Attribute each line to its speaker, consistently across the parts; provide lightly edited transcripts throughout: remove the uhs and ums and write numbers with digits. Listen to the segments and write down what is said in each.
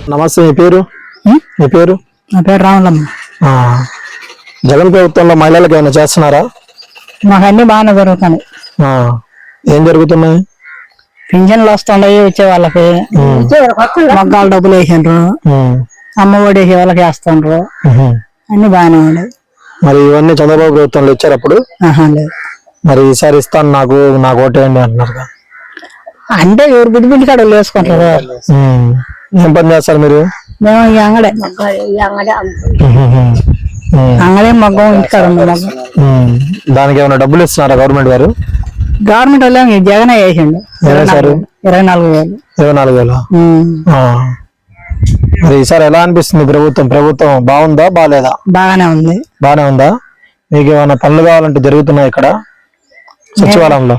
Speaker 1: నమస్తే, మీ పేరు? మీ పేరు?
Speaker 2: నా పేరు రాములమ్మ.
Speaker 1: జగన్ ప్రభుత్వంలో మహిళలకు ఏమైనా చేస్తున్నారా?
Speaker 2: మాకు అన్ని బాగానే జరుగుతున్నాయి.
Speaker 1: ఏం జరుగుతున్నాయి?
Speaker 2: పింఛన్లు వస్తున్నాయి వచ్చే వాళ్ళకి, మగ్గాలు డబ్బులు వేసిండ్రు, అమ్మ ఒడి వేసే వాళ్ళకి వేస్తుండ్రు, అన్ని బాగానే ఉన్నాయి.
Speaker 1: మరి ఇవన్నీ చంద్రబాబు ప్రభుత్వంలో ఇచ్చారు అప్పుడు?
Speaker 2: లేదు.
Speaker 1: మరి ఈసారి ఇస్తాను నాకు ఓటేయండి అంటున్నారు.
Speaker 2: అంటే ఎవరు బిడ్డ బిడ్డ కాడ వేసుకుంటారు.
Speaker 1: ఏం పని చేస్తారు మీరు?
Speaker 2: మేము ఈ అంగడే మగ్గం ఇంటికాడ మగ్గం.
Speaker 1: దానికి ఏమైనా డబ్బులు ఇస్తున్నారా గవర్నమెంట్ గారు?
Speaker 2: గవర్నమెంట్ వాళ్ళు జగన్ వేసిండు 24,000.
Speaker 1: 24,000. మరి ఈసారి ఎలా అనిపిస్తుంది ప్రభుత్వం బాగుందా బాగాలేదా?
Speaker 2: బాగానే ఉంది.
Speaker 1: బాగానే ఉందా? మీకు ఏమైనా పనులు కావాలంటే జరుగుతున్నాయి ఇక్కడ సచివాలయంలో?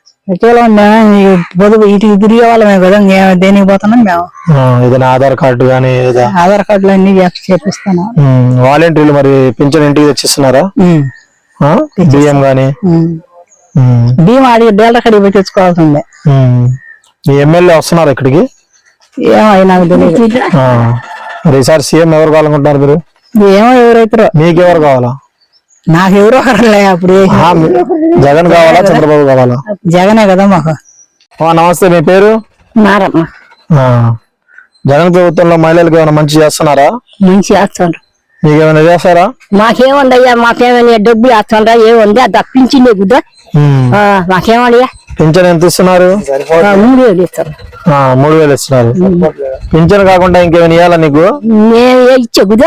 Speaker 2: పొదుపు ఇటు తిరిగే వాళ్ళమే కదా, దేనికి పోతున్నాం మేము.
Speaker 1: ఏదైనా ఆధార్ కార్డు కానీ?
Speaker 2: ఆధార్ కార్డులు అన్ని చేపిస్తాను.
Speaker 1: వాలంటీర్లు మరి పింఛన్ ఇంటికి తెచ్చిస్తున్నారా? బియ్యం గానీ?
Speaker 2: బియ్యం అడిగి డేటా కడిగి పోయి తెచ్చుకోవాల్సిందే.
Speaker 1: మీ ఎమ్మెల్యే వస్తున్నారు ఇక్కడికి?
Speaker 2: ఏమో నాకు తెలియదు.
Speaker 1: మరి ఈసారి సీఎం ఎవరు కావాలనుకుంటున్నారు మీరు?
Speaker 2: ఏమో ఎవరైతారో.
Speaker 1: మీకు ఎవరు కావాలా?
Speaker 2: నాకు ఎవరో ఒకరులే. అప్పుడు
Speaker 1: జగన్ కావాలా చంద్రబాబు కావాలా?
Speaker 2: జగనే కదా మాకు.
Speaker 1: నమస్తే, మీ పేరు?
Speaker 2: నారమ్మ.
Speaker 1: జగన్ ప్రభుత్వంలో మహిళలకు ఏమైనా మంచి చేస్తున్నారా?
Speaker 2: మంచి చేస్తుండ్రు.
Speaker 1: మీకేమైనా చేస్తారా?
Speaker 2: మాకేముందయ్యా, మాకేమైనా డబ్బులు వేస్తుండ్రా? ఏముంది అది తప్పించింది కుదా. మాకేమయ్యా
Speaker 1: పింఛన్ ఎంత ఇస్తున్నారు?
Speaker 2: 3,000 ఇస్తారు.
Speaker 1: 3,000 ఇస్తున్నారు. పింఛన్ కాకుండా ఇంకేమైనా ఇవ్వాలా నీకు?
Speaker 2: ఇచ్చే కుదా.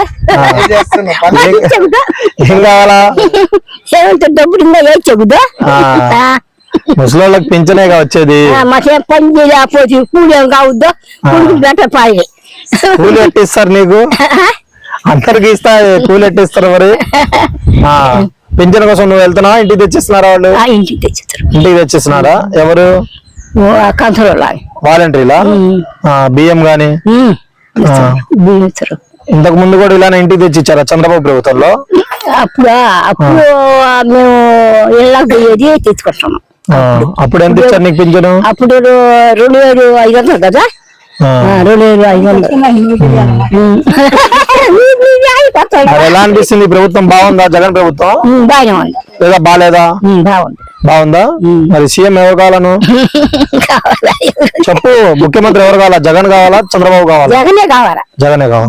Speaker 1: ఏం కావాలా?
Speaker 2: ఏమంటే డబ్బులు ఇంకా ఇచ్చే కుదా.
Speaker 1: ముసలోళ్ళకి పింఛనే వచ్చేది.
Speaker 2: మాకేం పని చేయకపోతే కూలి ఏం కావద్దు. కూలి పెట్టపాయి.
Speaker 1: కూలి ఎట్టిస్తారు నీకు? అందరికి ఇస్తా కూలి ఎట్టిస్తారు మరి? పింఛన్ కోసం నువ్వు వెళ్తున్నావా? ఇంటికి తెచ్చిస్తున్నారా వాళ్ళు?
Speaker 2: ఇంటికి తెచ్చిస్తారు.
Speaker 1: ఇంటికి తెచ్చిస్తున్నారా? ఎవరు? వాలంటీర్లా? బియ్యం గాని? ఇంతకు ముందు కూడా ఇలానే ఇంటికి తెచ్చి ఇచ్చారా చంద్రబాబు ప్రభుత్వంలో?
Speaker 2: అప్పుడు మేము ఇళ్ళకి పోయేది తెచ్చుకుంటాము.
Speaker 1: అప్పుడు ఎంత ఇచ్చారు నీకు పింఛను?
Speaker 2: అప్పుడు 2,500 కదా. 2,500.
Speaker 1: ఎలా అనిపిస్తుంది ప్రభుత్వం? బాగుందా జగన్ ప్రభుత్వం?
Speaker 2: బాగానే ఉంది.
Speaker 1: లేదా బాగాలేదా? బాగుందా? మరి సీఎం ఎవరు కావాలను చెప్పు. ముఖ్యమంత్రి ఎవరు కావాలా? జగన్ కావాలా చంద్రబాబు కావాలా?
Speaker 2: జగనే కావాలా.
Speaker 1: జగనే కావాలి.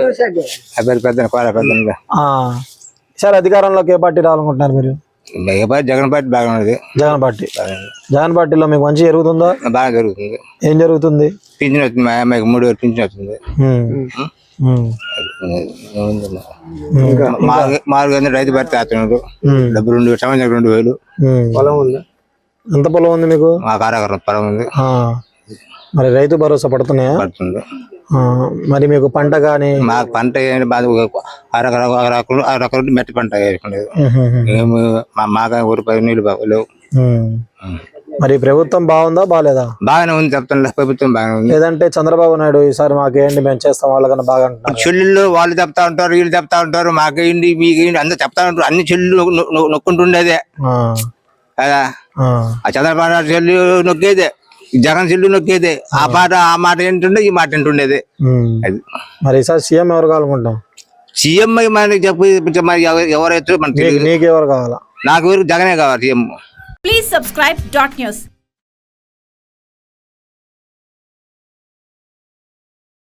Speaker 1: సార్ అధికారంలోకి ఏ పార్టీ రావాలనుకుంటున్నారు మీరు?
Speaker 3: జగన్ పార్టీ బాగా ఉన్నది.
Speaker 1: జగన్ పార్టీ. జగన్ పార్టీలో మీకు మంచి జరుగుతుందా? బాగా
Speaker 3: జరుగుతుంది.
Speaker 1: ఏం జరుగుతుంది?
Speaker 3: పింఛన్ వస్తుంది. 3,000 పింఛన్ వస్తుంది. 4 రైతు భర్తీ ఆతున్నాడు. డబ్బు 2 సంవత్సరం 2,000.
Speaker 1: పొలం ఉంది. ఎంత పొలం ఉంది మీకు?
Speaker 3: మాకు 6 ఎకరాల పొలం ఉంది.
Speaker 1: మరి రైతు భరోసా పడుతున్నాయా?
Speaker 3: పడుతుంది.
Speaker 1: మరి మీకు పంట గానీ?
Speaker 3: మాకు పంట అరకొర మెట్టి పంట వేసుకునేది. మాకు ఊరిపై నీళ్ళు లేవు.
Speaker 1: మరి ప్రభుత్వం బాగుందా బాగాలేదా?
Speaker 3: బాగానే ఉంది చెప్తాను. ప్రభుత్వం బాగానే ఉంది.
Speaker 1: లేదంటే చంద్రబాబు నాయుడు ఈసారి మాకేంటి మేము చేస్తాం వాళ్ళకన్నా బాగా అంటున్నారు.
Speaker 3: చెల్లెళ్ళు వాళ్ళు చెప్తా ఉంటారు, వీళ్ళు చెప్తా ఉంటారు. మాకేంటి మీకేంటి అందరూ చెప్తా ఉంటారు. అన్ని చెల్లెళ్ళు నొక్కుంటుండేదే కదా. ఆ చంద్రబాబు నాయుడు చెల్లి నొక్కేదే, జగన్ చెల్లి నొక్కేదే. ఆ మాట ఏంటుండే, ఈ మాట ఏంటుండేది. అది
Speaker 1: మరి ఈసారి సీఎం ఎవరు కావాలనుకుంటాం?
Speaker 3: సీఎం మనకి చెప్పు. ఎవరైతే మనకి
Speaker 1: నీకు ఎవరు కావాలా?
Speaker 3: నాకు జగనే కావాలి సీఎం.
Speaker 4: Please subscribe .news.